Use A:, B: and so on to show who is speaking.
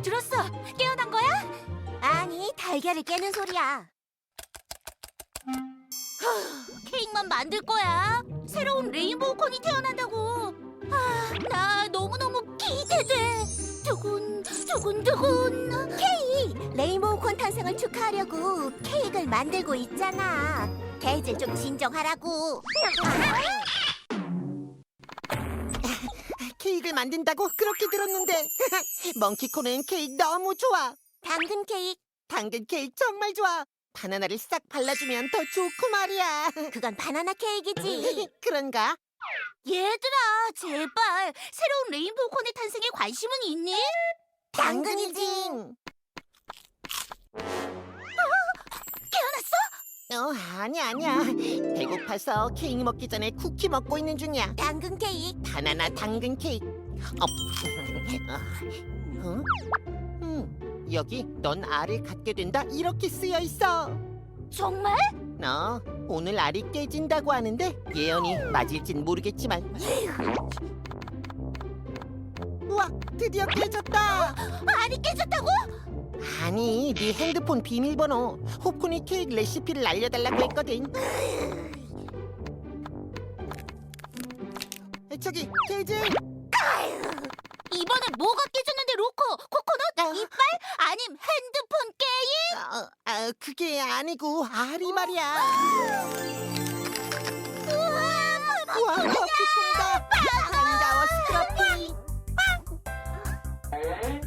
A: 들었어. 깨어난 거야? 아니, 달걀을 깨는 소리야. 케이크만 만들 거야. 새로운 레인보우 콘이 태어난다고. 나 너무너무 기대돼. 두근두근. 케이, 레인보우 콘 탄생을 축하하려고 케이크를 만들고 있잖아. 걔들 좀 진정하라고.
B: 케이크를 만든다고 그렇게 들었는데 멍키콘은 케이크 너무 좋아.
A: 당근 케이크,
B: 당근 케이크 정말 좋아. 바나나를 싹 발라주면 더 좋고 말이야.
A: 그건 바나나 케이크지.
B: 그런가?
A: 얘들아, 제발 새로운 레인보우 콘의 탄생에 관심은 있니? 당근이지. 깨어났어?
B: 아니야. 배고파서 케이크 먹기 전에 쿠키 먹고 있는 중이야.
A: 당근 케이크.
B: 바나나 당근 케이크. 여기 넌 알을 갖게 된다 이렇게 쓰여 있어.
A: 정말?
B: 너 오늘 알이 깨진다고 하는데 예언이 맞을진 모르겠지만. 우와, 드디어 깨졌다.
A: 알이 깨졌다고?
B: 아니, 네 핸드폰 비밀번호 호프니 케이크 레시피를 알려달라고 했거든. 저기 케이지.
A: 이번엔 뭐가 깨졌는데, 로코? 코코넛? 이빨? 아님 핸드폰 게임?
B: 그게 아니고 알이 말이야. 우와, 커피콘이다. 반가워, 스크러피.